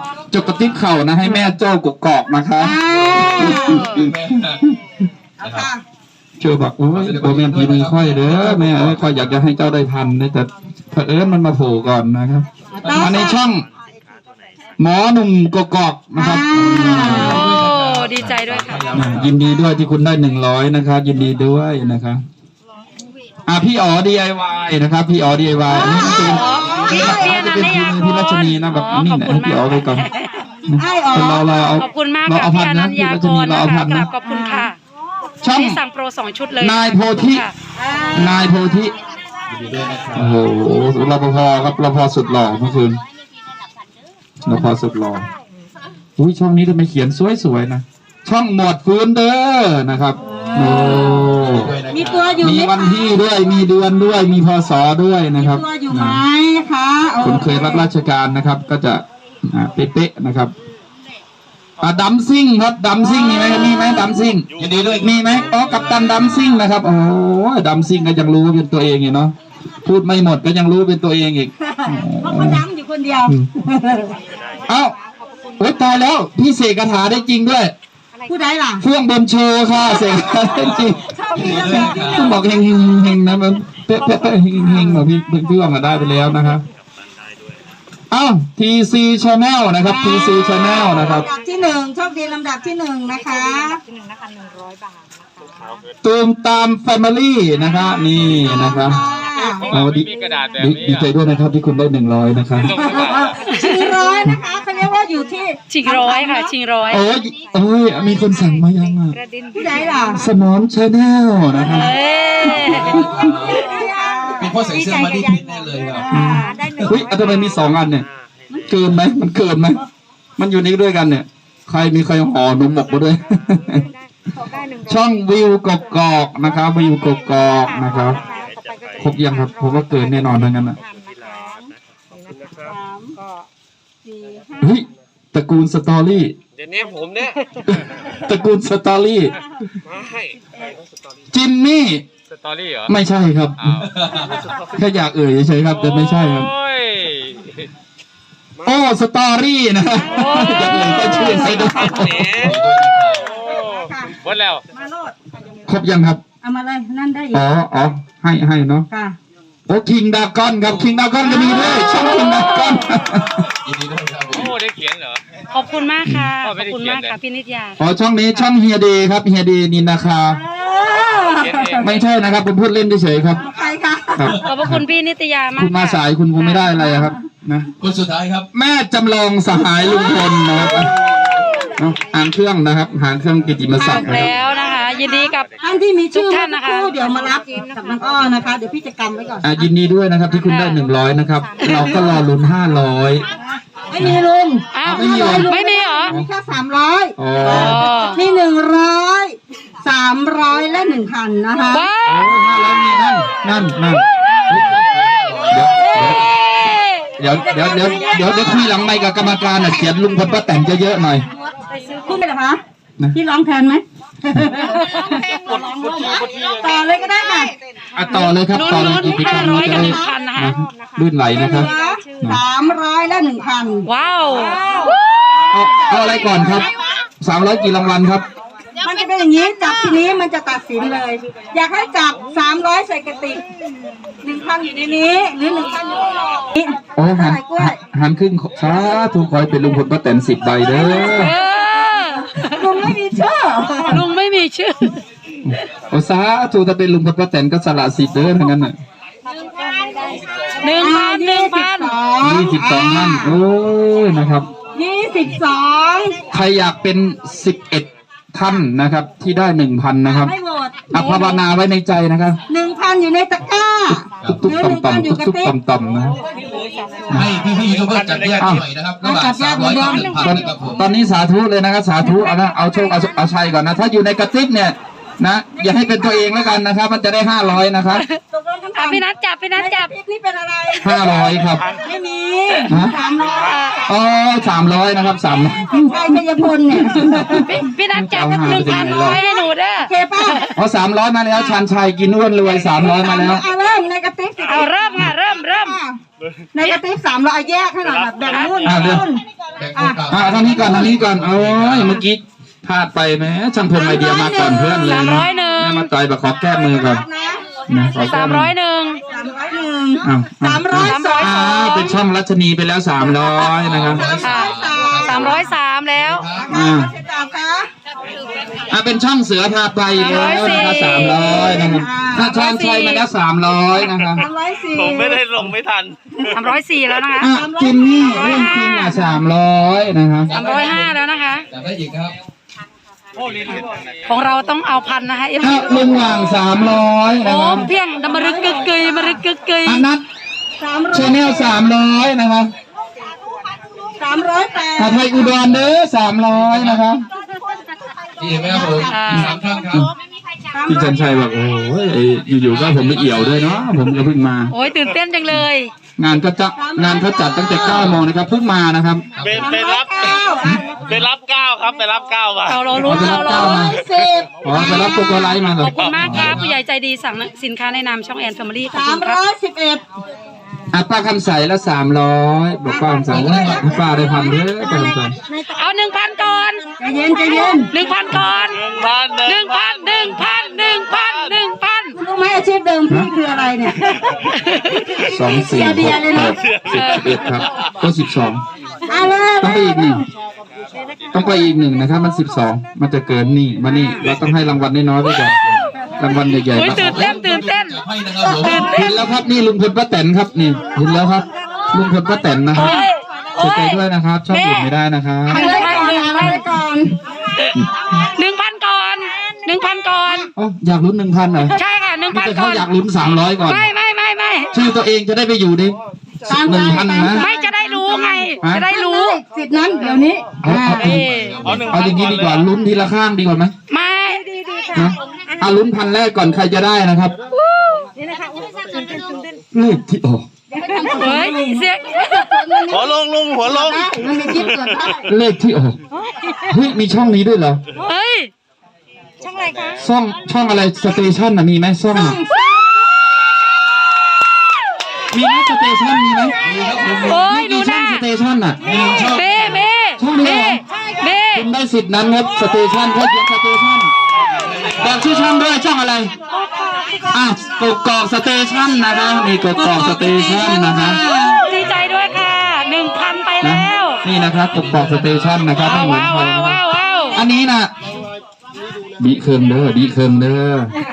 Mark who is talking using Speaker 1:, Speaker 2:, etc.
Speaker 1: จกกระติบเข่านะให้แม่โจ้กกอกนะคะเชื่อบอกโอ้ยโอแม่ผีมือค่อยเด้อแม่ค่อยอยากจะให้เจ้าได้พันนะแต่เผอิญมันมาโผล่ก่อนนะครับมาในช่องหมอหนุ่มกกอกนะครับ
Speaker 2: ดีใจด้วยค่ะ
Speaker 1: ยินดีด้วยที่คุณได้100นะครับยินดีด้วยนะครับพี่อ๋อ DIY นะครับพี่อ๋อ DIY อันนี้เป็นพี่รัชนีนะแบบนี่นะพี่อ๋อไปก่อนเรา
Speaker 2: ขอบคุณมากค่ะพี่อนัญญากรนะคะกราบขอบคุณค่ะที่สั่งโปร2 ชุดเลย
Speaker 1: นายโพธิโอ้โหรปภครับรปภสุดหล่อเมื่อคืนรปภสุดหล่ออุ้ยช่องนี้ทำไมเขียนสวยๆนะช่องหมวดฟื้นเด้อนะครับโอ้
Speaker 3: มีตัวอยู่
Speaker 1: มีวันที่ด้วยมีเดือนด้วยมีพศด้วยนะครับ
Speaker 3: มีตัวอยู่ไหมคะ
Speaker 1: คนเคยรับราชการนะครับก็จะเป๊ะๆนะครับดัมซิ่งครับดัมซิ่งมีไหมดัมซิ่งยินดีด้วยมีไหมกัปตันดัมซิ่งนะครับโอ้ดัมซิ่งก็ยังรู้เป็นตัวเองอยู่เนาะพูดไม่หมดก็ยังรู้เป็นตัวเองอีก
Speaker 3: เพราะเขาดัมอยู่คนเดียว
Speaker 1: โอ้ยตายแล้วพี่เสกคาถาได้จริงด้วย
Speaker 3: ผู้ใดล่ะ
Speaker 1: เฟื่องบนโชว์ค่ะเสกได้จริงต้องบอกเฮงนะมันเป๊ะเฮงแบบพี่เฟื่องมาได้ไปแล้วนะครับTC Channel นะครับ TC Channel นะครับ
Speaker 3: ลำดับที่1โชคดีลำดับที่1นะคะ100 บาท
Speaker 1: ตูมตาม Family นะคะนี่นะครับดีใจด้วยนะครับที่คุณได้100นะครับ
Speaker 3: ชิงร้อยนะคะเขาเรียกว่าอยู่ที่
Speaker 2: ชิงร้อยค่ะชิงร้อย
Speaker 1: โอ้ยมีคนสั่งมายัง
Speaker 3: ผู้ใดล่ะ
Speaker 1: สมอน Channel นะครับ
Speaker 4: เป็นพ่อใส่เสื้อมาดีพิษแน่เลยครับ
Speaker 1: เฮ้ยทำไมมี2 อันเนี่ยเกินไหมมันเกินไหมมันอยู่นี้ด้วยกันเนี่ยใครห่อนมหมกมาด้วยช่องวิวกกอกนะครับวิวกกอกนะครับครบยังครับผมว่าเกินแน่นอนทั้งนั้นนะเฮ้ยตระกูลสตอรี่
Speaker 4: เดี๋ยวนี้ผมเนี่ย
Speaker 1: ตระกูลสตอรี่จิมมี่
Speaker 4: สตอรี่เหรอ
Speaker 1: ไม่ใช่ครับแค่อยากเฉยๆครับแต่ไม่ใช่ครับสตอรี่นะอยากก็ชื่อใส่ด้วย
Speaker 4: หมดแล้ว
Speaker 1: ครบยังครับ
Speaker 3: เอามาเลยนั่นได้อีก
Speaker 1: ให้เนาะคิงดากอนครับคิงดากอนก็มีด้วยช่องคิงดากอน
Speaker 4: ได้เขียนเหรอ
Speaker 2: ขอบคุณมากค่ะขอบคุณมากค่ะพี่นิตยา
Speaker 1: ช่องนี้ช่องเฮียเดย์ครับเฮียเดย์นินนาคาไม่ใช่นะครับผมพูดเล่นเฉยๆครับ
Speaker 3: ใครคะ
Speaker 2: ขอบคุณพี่นิตยามาก
Speaker 1: คุณมาสายคุณคงไม่ได้อะไรครับนะ
Speaker 4: คนสุดท้ายครับ
Speaker 1: แม่จำลองสหายลุงพลนะครับหางเครื่องนะครับหางเครื่องกิติมศักดิ์
Speaker 2: แล้วนะคะยินดีกับ
Speaker 3: ท่านที่มีชื่อท่านนะคะเดี๋ยวมารับกับน้องอ้อนะคะเดี๋ยวพี่จะกำไว้ก่อน
Speaker 1: ยินดีด้วยนะครับที่คุณได้100นะครับเราก็รอลุ้น500
Speaker 3: ไม่มีลุง
Speaker 2: ไม่มีเหรอ
Speaker 3: มีแค่300มี100 300และ1,000นะคะ
Speaker 1: นั่นเดี๋ยวคุยหลังไมค์กับกรรมการเขียนลุงพลป้าแตนเยอะๆหน่อย
Speaker 3: พูดไปเหรอคะพี่ร้องแทนไหมต่อเลยก็ได้ค่ะ
Speaker 1: ต่อเลยครับต่อเลย
Speaker 2: อีก500กับ1,000นะคะ
Speaker 1: ลื่นไหลนะครับ
Speaker 3: 300และ1,000
Speaker 2: ว้าว
Speaker 1: เอาอะไรก่อนครับ300กี่รางวัลครับ
Speaker 3: มันจะเป็นอย่างนี้จับทีนี้มันจะตัดสินเลยอยากให้จับ300ใส่กระติก1,000อยู่ในนี้หรือ1,000อยู่นี่
Speaker 1: หันครึ่งสาธุขอให้เป็นลุงพลป้าแตน10 ใบเด้อ
Speaker 3: ลุงไม่มีชื่อ
Speaker 1: สาธุถ้าเป็นลุงพลป้าแตนก็สละสิทธิ์เด้อทั้งนั้นน่ะ22 นั่นโอ้ยนะครับ
Speaker 3: 22
Speaker 1: ใครอยากเป็น11 ท่านนะครับที่ได้ 1,000 นะครับภาวนาไว้ในใจนะครับ
Speaker 3: 1,000 อยู่ในตะกร้า
Speaker 1: ตุ๊กต่ำๆตุ๊กต่ำๆนะ
Speaker 4: ให้พี่ๆทุกคนจัดแยกหน่อยนะครับระหว่าง300กับ1,000
Speaker 1: ตอนนี้สาธุเลยนะครับสาธุเอาโชคเอาชัยก่อนนะถ้าอยู่ในกระติกเนี่ยนะอย่าให้เป็นตัวเองแล้วกันนะครับมันจะได้500นะครับ
Speaker 2: พี่นัทจับ
Speaker 3: นี่เป็นอะไร
Speaker 1: 500ครับ
Speaker 3: ไม่มี
Speaker 1: 300นะครับ300
Speaker 3: ใครชัยพลเนี่ย
Speaker 2: พี่นัทจับ1,000ให้หนูเด้อ
Speaker 3: โอเคป่ะ
Speaker 1: 300มาแล้วชันชัยกินอ้วนรวย300มาแล้ว
Speaker 3: เริ่มในกระติก
Speaker 2: เริ่มค่ะเริ่ม
Speaker 3: ในกระติก300แยกให้หน่อยแบบแบ่งรุ่น
Speaker 1: ทางนี้ก่อนโอ้ยเมื่อกี้พลาดไปไหมช่างพงไอเดียมาก่อนเพื่อนเลยนะแม่มาต่อยแบบขอแก้มือก่อนนะขอแก้มือ
Speaker 3: 301
Speaker 1: อ้าว
Speaker 3: 302
Speaker 1: เป็นช่องรัชนีไปแล้ว300นะครับ
Speaker 2: 303แล้ว
Speaker 1: เป็นช่องเสือพาไปแล้วนะครับ300นะครับถ้าช่องชัยมาแล้ว300นะครับ
Speaker 3: 304
Speaker 5: ผมไม่ได้ลงไม่ทัน
Speaker 2: 304แล้วนะคะ
Speaker 1: จิมนี่เรื่องจริง300นะครับ
Speaker 2: 305แล้วนะคะ
Speaker 4: จับได้อีกครับ
Speaker 2: ของเราต้องเอาพันนะคะเอฟ
Speaker 1: ลุงหว่าง300นะ
Speaker 2: โอ้
Speaker 1: ครับ
Speaker 2: เพียงดำมรึกกึกกึยมรึกกึกกึย
Speaker 1: นัทชาแนล300นะครับ
Speaker 3: 308
Speaker 1: ไทยอุดรเด้อ300นะครับ
Speaker 4: ดีไหมครับผม3ท่านครับ
Speaker 1: พี่จันชัยบอกโอ้ยอยู่ๆก็ผมไม่เอี่ยวด้วยเนาะผมก็เพิ่งมา
Speaker 2: โอ้ยตื่นเต้นจังเลย
Speaker 1: งานเขาจัดตั้งแต่9 โมงนะครับเพิ่งมานะครับ
Speaker 5: ไปรับก้าวครับไปรับก้าวมา
Speaker 2: เราลุ้นเราลุ้น
Speaker 1: อ๋อไปรับโกโกไลท์มาเหร
Speaker 2: ข
Speaker 1: อ
Speaker 2: อบคุณมากครับผู้ใหญ่ใจดีสั่งสินค้าในนามช่องแอนแฟมิลี่ขอบคุณครับ
Speaker 3: 311
Speaker 1: ป้าคำใสละ300บอกป้าคำใสป้าได้พันเด้อป้าคำใส
Speaker 2: เอา 1,000 ก่อน
Speaker 3: ใจเย็น
Speaker 2: 1,000 ก่อน 1,000
Speaker 3: รู้ไหมอาชีพเดิมพี่คืออะไรเนี่ย
Speaker 1: 2 4 6 11ครับก็12
Speaker 3: เอาเลย
Speaker 1: ต้องไปอีกหนึ่งนะครับมัน12มันจะเกินนี่มานี่เราต้องให้รางวัลน้อยๆไปก่อนรางวัลใหญ่
Speaker 2: โอ้ย
Speaker 1: ๆ
Speaker 2: ตื่นเต้น
Speaker 4: ให้นะครับผม
Speaker 1: เห็นแล้วครับนี่ลุงพลป้าแตนครับนี่เห็นแล้วครับลุงพลป้าแตนนะครับเสียใจด้วยนะครับชอบอื่นไม่ได้นะครับ
Speaker 3: เอาเลยก่อน
Speaker 2: 1,000 ก่อน 1,000 ก่อน
Speaker 1: อ๋ออยากลุ้น 1,000เหรอ
Speaker 2: ใช่ค่ะ
Speaker 1: แต่
Speaker 2: 1,000 ก่
Speaker 1: เขา
Speaker 2: อน
Speaker 1: อยากลุ้น300ก่อน
Speaker 2: ไม่
Speaker 1: ชื่อตัวเองจะได้ไปอยู่ใน1,000นะ
Speaker 2: ไม่จะได้รู้ไง จะได้รู้
Speaker 3: สิทธิ์นั้นเดี๋ยวนี้
Speaker 1: เอาอย่างนี้ดีกว่าลุ้นทีละข้างดีกว่าไหม
Speaker 2: ไม่
Speaker 1: นะเอาลุ้นพันแรกก่อนใครจะได้นะครับเลขที่ออก
Speaker 2: เฮ้ยเสียง
Speaker 5: หัวลงลุงหัวลง
Speaker 3: มันมีคลิปเกิดได้
Speaker 1: เลขที่ออกเฮ้ยมีช่องนี้ด้วยเหรอ
Speaker 2: เฮ้ย
Speaker 1: ช่องอะไรสเตชันน่ะมีไหมช่องอะมีไหมสเตชันมีไหม
Speaker 2: โอ้ยดู
Speaker 1: มี
Speaker 2: ห
Speaker 1: ช่อ
Speaker 2: น้าง
Speaker 1: สเตชันน่ะ
Speaker 2: เบ้
Speaker 1: ช่องนี้เหรอ คุณได้สิทธิ์นั้นครับสเตชันเขาเขียนสเตชันบอกชื่อช่องด้วยช่องอะไรกกอกสเตชันนะครับนี่กกอกสเตชันนะครับ
Speaker 2: ดีใจด้วยค่ะ 1,000 ไป
Speaker 1: นะ
Speaker 2: แล้ว
Speaker 1: นี่นะครับกกอกสเตชันนะครับไม่เหมือนใครนะครับ
Speaker 2: ว้าว
Speaker 1: อันนี้นะดีเคิมเด้อ